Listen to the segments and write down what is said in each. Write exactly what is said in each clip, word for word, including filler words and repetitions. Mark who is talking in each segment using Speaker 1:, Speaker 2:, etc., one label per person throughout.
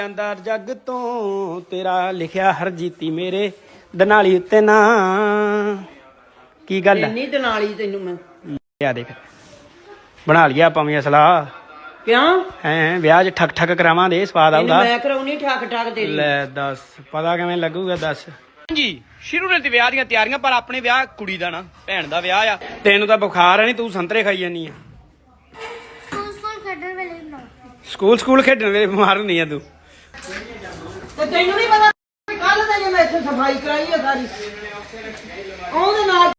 Speaker 1: ਅੰਦਰ ਜੱਗ ਤੋਂ ਤੇਰਾ ਲਿਖਿਆ ਹਰਜੀਤੀ ਮੇਰੇ ਦਨਾਲੀ ਉੱਤੇ ਨਾ ਕੀ ਗੱਲ
Speaker 2: ਇੰਨੀ ਦਨਾਲੀ ਤੈਨੂੰ ਮੈਂ
Speaker 1: ਆ ਦੇਖ ਬਣਾ ਲਿਆ ਆਪਾਂ ਵੀ ਅਸਲਾ
Speaker 2: ਕਿਉਂ
Speaker 1: ਹੈ ਵਿਆਹ 'ਚ ਠੱਕ ਠੱਕ ਕਰਾਵਾਂ ਦੇ ਸਵਾਦ ਆਉਂਦਾ
Speaker 2: ਮੈਂ ਕਰਾਉਣੀ ਠੱਕ ਠੱਕ ਤੇਰੀ
Speaker 1: ਲੈ ਦੱਸ ਪਤਾ ਕਿਵੇਂ ਲੱਗੂਗਾ ਦੱਸ ਜੀ ਸ਼ੁਰੂ ਨੇ ਤੇ ਵਿਆਹ ਦੀਆਂ ਤਿਆਰੀਆਂ ਪਰ ਆਪਣੇ ਵਿਆਹ ਕੁੜੀ ਦਾ ਨਾ ਭੈਣ ਦਾ ਵਿਆਹ ਆ ਤੈਨੂੰ ਤਾਂ ਬੁਖਾਰ ਹੈ ਨਹੀਂ ਤੂੰ ਸੰਤਰੇ ਖਾਈ ਜਾਨੀ ਆ ਸਕੂਲ ਸਕੂਲ ਖੇਡਣ ਵੇਲੇ ਬਿਮਾਰ ਹੁੰਦੀ ਆ ਤੂੰ
Speaker 2: ਤੇ ਤੈਨੂੰ ਨਹੀਂ ਪਤਾ ਕੱਲ ਤਾਂ ਜੇ ਮੈਂ ਇੱਥੇ ਸਫਾਈ ਕਰਾਈ ਆ ਸਾਰੀ ਉਹਦੇ ਨਾਲ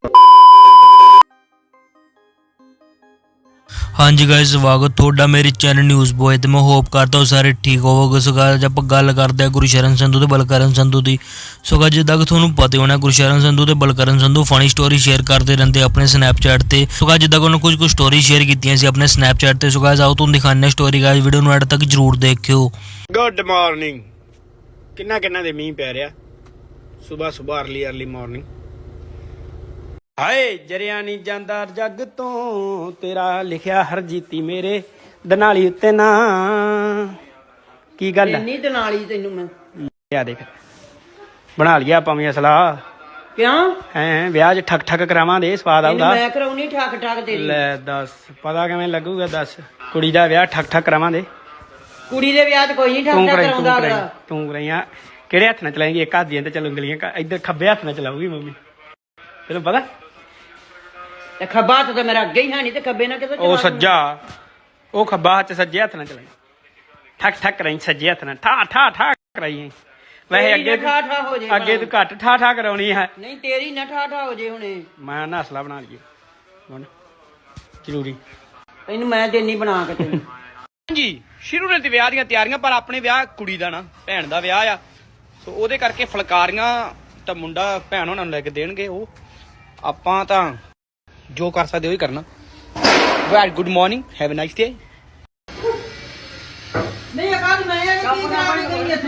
Speaker 3: हाँ जी गाइस स्वागत थोड़ा मेरे चैनल न्यूज़ बॉय तो मैं होप करता हूँ सारे ठीक होवोगे। सो गाइस आप गल करते हैं गुरशरण संधू ते बलकरण संधू की। सो गाइस जिद्दां कि तुहानूं पता होना गुरशरण संधू ते Balkaran Sandhu funny story share करते रहते अपने स्नैपचैट ते। सो गाइस जिद्दां कि उन्होंने कुछ कुछ स्टोरी शेयर कीतियां सी अपने स्नैपचैट ते। सो गाइस आओ तुहानूं दिखाने स्टोरी गाइस वीडियो नूं एंड तक जरूर देखियो।
Speaker 1: गुड मॉर्निंग किन्ना किन्ना दे मींह पै रिहा सुबह सुबह अर्ली अर्ली मॉर्निंग ਹਾਏ ਜਰਿਆ ਨਹੀਂ ਜਾਂਦਾ ਜੱਗ ਤੋਂ ਤੇਰਾ ਲਿਖਿਆ ਹਰਜੀਤੀ ਮੇਰੇ ਦਨਾਲੀ ਉੱਤੇ ਨਾ ਕੀ ਗੱਲ
Speaker 2: ਇੰਨੀ ਦਨਾਲੀ ਤੈਨੂੰ ਮੈਂ
Speaker 1: ਆ ਦੇਖ ਬਣਾ ਲਿਆ ਆਪਾਂ ਵੀ ਅਸਲਾ
Speaker 2: ਕਿਉਂ
Speaker 1: ਹੈ ਵਿਆਹ 'ਚ ਠੱਕ ਠੱਕ ਕਰਾਵਾਂ ਦੇ ਸਵਾਦ ਆਉਂਦਾ
Speaker 2: ਮੈਂ ਕਰਾਉਣੀ ਠੱਕ ਠੱਕ ਤੇਰੀ
Speaker 1: ਲੈ ਦੱਸ ਪਤਾ ਕਿਵੇਂ ਲੱਗੂਗਾ ਦੱਸ ਕੁੜੀ ਦਾ ਵਿਆਹ ਠੱਕ ਠੱਕ ਕਰਾਵਾਂ ਦੇ
Speaker 2: ਕੁੜੀ ਦੇ ਵਿਆਹ 'ਚ ਕੋਈ ਨਹੀਂ ਠੱਕ ਠੱਕ ਕਰਾਉਂਦਾ ਅਗਲਾ
Speaker 1: ਤੂੰ ਕਰਾਈਆਂ ਕਿਹੜੇ ਹੱਥ ਨਾਲ ਚਲਾਏਂਗੀ ਇੱਕ ਹੱਥ ਦੀਆਂ ਤੇ ਚੱਲ ਉਂਗਲੀਆਂ ਇੱਧਰ ਖੱਬੇ ਹੱਥ ਨਾਲ ਚਲਾਊਗੀ ਮੰਮੀ ਤੈਨੂੰ ਪਤਾ
Speaker 2: ਤੇ ਖੱਬਾ ਹੱਥ ਤਾਂ ਮੇਰਾ ਅੱਗੇ ਹੀ ਹੈ ਨਹੀਂ ਤੇ ਖੱਬੇ ਨਾਲ ਕਿੱਥੇ
Speaker 1: ਉਹ ਸੱਜਾ ਉਹ ਖੱਬਾ ਹੱਥ ਸੱਜੇ ਹੱਥ ਨਾਲ ਚਲਾਈ ਠੱਕ ਠੱਕ ਕਰਾਈ ਸੱਜੇ ਹੱਥ ਨਾਲ ਠਾ ਠਾ ਠਾ ਕਰਾਈ ਵੈਸੇ ਅੱਗੇ
Speaker 2: ਠਾ ਠਾ ਹੋ ਜੇ
Speaker 1: ਅੱਗੇ ਤੂੰ ਘੱਟ ਠਾ ਠਾ ਕਰਾਉਣੀ ਹੈ
Speaker 2: ਨਹੀਂ ਤੇਰੀ ਨਾ ਠਾ ਠਾ ਹੋ ਜੇ ਹੁਣੇ
Speaker 1: ਮੈਂ ਨਾ ਹਸਲਾ ਬਣਾ ਲਈਏ ਹੁਣ ਜ਼ਰੂਰੀ
Speaker 2: ਇਹਨੂੰ ਮੈਂ ਦੇਣੀ ਬਣਾ ਕੇ ਤੈਨੂੰ
Speaker 1: ਜੀ ਸ਼ੁਰੂ ਨੇ ਤੇ ਵਿਆਹ ਦੀਆਂ ਤਿਆਰੀਆਂ ਪਰ ਆਪਣੇ ਵਿਆਹ ਕੁੜੀ ਦਾ ਨਾ ਭੈਣ ਦਾ ਵਿਆਹ ਆ ਸੋ ਉਹਦੇ ਕਰਕੇ ਫੁਲਕਾਰੀਆਂ ਤਾਂ ਮੁੰਡਾ ਭੈਣ ਉਹਨਾਂ ਨੂੰ ਲੈ ਕੇ ਦੇਣਗੇ ਉਹ ਆਪਾਂ ਤਾਂ ਜੋ ਕਰ ਸਕਦੇ ਉਹੀ ਕਰਨਾ very good morning have a nice day
Speaker 2: ਨਹੀਂ ਅਕਾਲ ਮੈਂ ਇਹ ਕੀ ਕਰਾਉਣੀ ਗਈ ਇੱਥੇ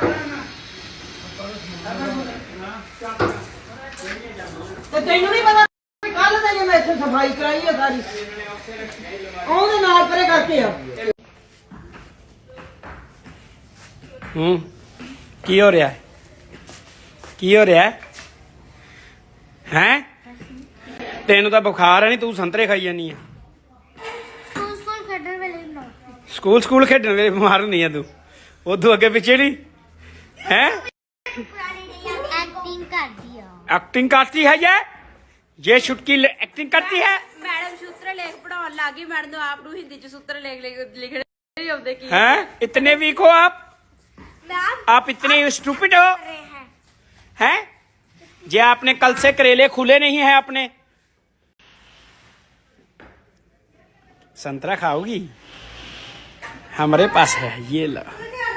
Speaker 2: ਤੇ ਤੈਨੂੰ ਨਹੀਂ ਪਤਾ ਕੱਲ ਤਾਂ ਜੇ ਮੈਂ ਇੱਥੇ ਸਫਾਈ ਕਰਾਈ ਆ ਸਾਰੀ ਉਹਦੇ ਨਾਲ ਪਰੇ ਕਰਕੇ ਆ
Speaker 1: ਹੂੰ ਕੀ ਹੋ ਰਿਹਾ ਕੀ ਹੋ ਰਿਹਾ ਹੈ ਤੈਨੂੰ ਤਾਂ ਬੁਖਾਰ ਹੈ ਨਹੀਂ ਤੂੰ ਸੰਤਰੇ ਖਾਈ ਜਾਨੀ ਆ ਸਕੂਲ ਸਕੂਲ ਖੇਡਣ ਵੇਲੇ ਬਿਮਾਰ ਹੁੰਦੀ ਆ ਤੂੰ ਉਦੋਂ ਅੱਗੇ ਪਿੱਛੇ ਨਹੀਂ ਹੈ
Speaker 4: एक्टिंग कर दिया
Speaker 1: एक्टिंग करती है ये ये छुटकी एक्टिंग करती है
Speaker 5: मैडम सूत्र लेख पढ़ाउण लग गई मैडम आप ਨੂੰ ਹਿੰਦੀ ਚ सूत्र लेख लिखने नहीं आउंदे की
Speaker 1: हैं इतने वीक हो आप आप इतने स्टूपिड हो हैं जे आपने कल से करेले खुले नहीं है आपने संतरा खाओगी हमारे पास है ये लो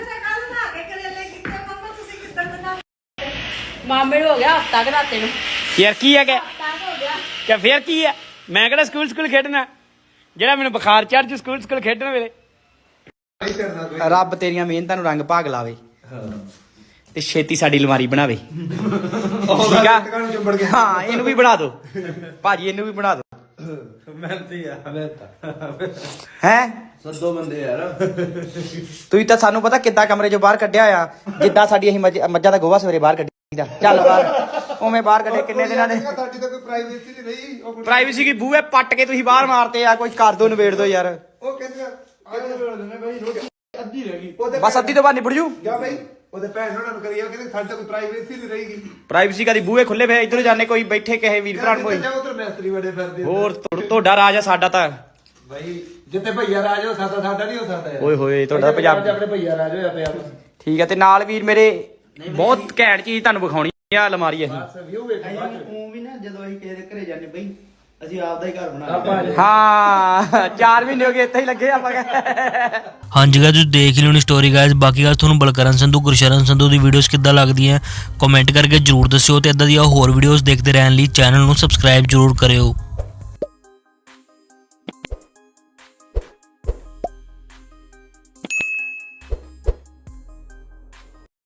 Speaker 5: ਮਾਮੇ ਨੂੰ ਹੋ ਗਿਆ ਹਫਤਾ ਕਿ ਰਾਤੇ ਨੂੰ
Speaker 1: यार की है क्या क्या फिर की है मैं कहना स्कूल स्कूल खेडना ਜਿਹੜਾ ਮੈਨੂੰ ਬੁਖਾਰ ਚੜ ਜੂ ਸਕੂਲ ਸਕੂਲ ਖੇਡਣ ਵੇਲੇ ਰੱਬ ਤੇਰੀਆਂ ਮਿਹਨਤਾਂ ਨੂੰ ਰੰਗ ਭਾਗ ਲਾਵੇ ਤੇ ਛੇਤੀ ਸਾਡੀ ਅਲਮਾਰੀ ਬਣਾਵੇ ਠੀਕ ਆ ਹਾਂ ਇਹਨੂੰ ਵੀ ਬਣਾ ਦਿਓ ਭਾਜੀ ਇਹਨੂੰ ਵੀ ਬਣਾ ਦਿਓ
Speaker 6: ਮਿਹਨਤੀ ਆ ਮਿਹਨਤ
Speaker 1: ਹੈ
Speaker 6: ਸੱਦੋ ਬੰਦੇ ਯਾਰ
Speaker 1: ਤੁਸੀਂ ਤਾਂ ਸਾਨੂੰ ਪਤਾ ਕਿੱਦਾਂ ਕਮਰੇ ਚੋਂ ਬਾਹਰ ਕੱਢਿਆ ਆ ਜਿੱਦਾਂ ਸਾਡੀ ਅਸੀਂ ਮੱਝਾਂ ਦਾ ਗੋਹਾ ਸਵੇਰੇ ਬਾਹਰ ਕੱਢੀਦਾ ਚੱਲ ਬਾਹਰ ਉਵੇਂ ਬਾਹਰ ਕੱਢੇ ਕਿੰਨੇ ਦਿਨਾਂ ਦੇ
Speaker 6: ਸਾਡੀ ਤਾਂ ਕੋਈ ਪ੍ਰਾਈਵੇਸੀ ਨਹੀਂ ਰਹੀ ਉਹ
Speaker 1: ਪ੍ਰਾਈਵੇਸੀ ਕੀ ਬੂਹੇ ਪੱਟ ਕੇ ਤੁਸੀਂ ਬਾਹਰ ਮਾਰਤੇ ਆ ਕੋਈ ਕਰ ਦੋ ਨਵੇੜ ਦੋ ਯਾਰ
Speaker 6: ਉਹ ਕਹਿੰਦੇ ਅੱਜ ਵੇੜ ਦਿੰਦੇ ਬਾਈ ਰੋਟੀ ਅੱਧੀ ਰਹਿ ਗਈ ਉਹਦੇ
Speaker 1: ਬਸ ਅੱਧੀ ਤੋਂ ਬਾਅਦ ਨਿਬੜ ਜੂ
Speaker 6: ਜਾ ਬਾਈ ਉਹਦੇ ਭੈਣ ਉਹਨਾਂ ਨੂੰ ਕਰੀਏ ਕਹਿੰਦੇ ਸਾਡੀ ਤਾਂ ਕੋਈ ਪ੍ਰਾਈਵੇਸੀ ਨਹੀਂ ਰਹੇਗੀ
Speaker 1: ਪ੍ਰਾਈਵੇਸੀ ਕਦੀ ਬੂਹੇ ਖੁੱਲੇ ਫੇ ਇਧਰ ਜਾਣੇ ਕੋਈ ਬੈਠੇ ਕਿਸੇ ਵੀਰ ਭਰਾ ਕੋਈ
Speaker 6: ਉਧਰ ਮੈਸਤਰੀ ਬੜੇ ਫਿਰਦੇ
Speaker 1: ਹੋਰ ਤੁਹਾਡਾ ਰਾਜ ਆ ਸਾਡਾ ਤਾਂ
Speaker 6: ਬਾਈ ਜਿੱਥੇ ਭਈਆ ਰਾਜ ਹੋ ਸਕਦਾ ਸਾਡਾ ਨਹੀਂ ਹੋ ਸਕਦਾ ਯਾਰ
Speaker 1: ਓਏ ਹੋਏ ਤੁਹਾਡਾ ਪੰਜਾਬ
Speaker 6: ਆਪਣੇ ਭਈਆ ਰਾਜ ਹੋਇਆ ਪਿਆ
Speaker 1: ਠੀਕ ਹੈ ਤੇ ਨਾਲ ਵੀਰ ਮੇਰੇ ਬਹੁਤ ਘੈਂਟ ਚੀਜ਼ ਤੁਹਾਨੂੰ ਵਿਖਾਉਣੀ ਆ ਅਲਮਾਰੀ ਅਸੀਂ
Speaker 6: ਵਿਊ ਵੇਖ
Speaker 7: ਉਹ ਵੀ ਨਾ ਜਦੋਂ ਅਸੀਂ ਕਿਸੇ ਦੇ ਘਰੇ ਜਾਂਦੇ ਬਈ ਅਸੀਂ ਆਪਦਾ ਹੀ ਘਰ ਬਣਾ
Speaker 1: ਹਾਂ ਚਾਰ ਮਹੀਨੇ ਹੋ ਗਏ ਇੱਥੇ ਹੀ ਲੱਗੇ ਆਪਾਂ
Speaker 3: हाँ जी गाइस तुसीं देख लियो स्टोरी गाइस बाकी गाइस तुहानूं बलकरण संधू गुरशरण संधू दी वीडियोस किद्दां लगदियां कमेंट करके जरूर दस्सिओ ते इदां दी होर वीडियोस देखते रहण लई चैनल नूं सबसक्राइब जरूर करियो।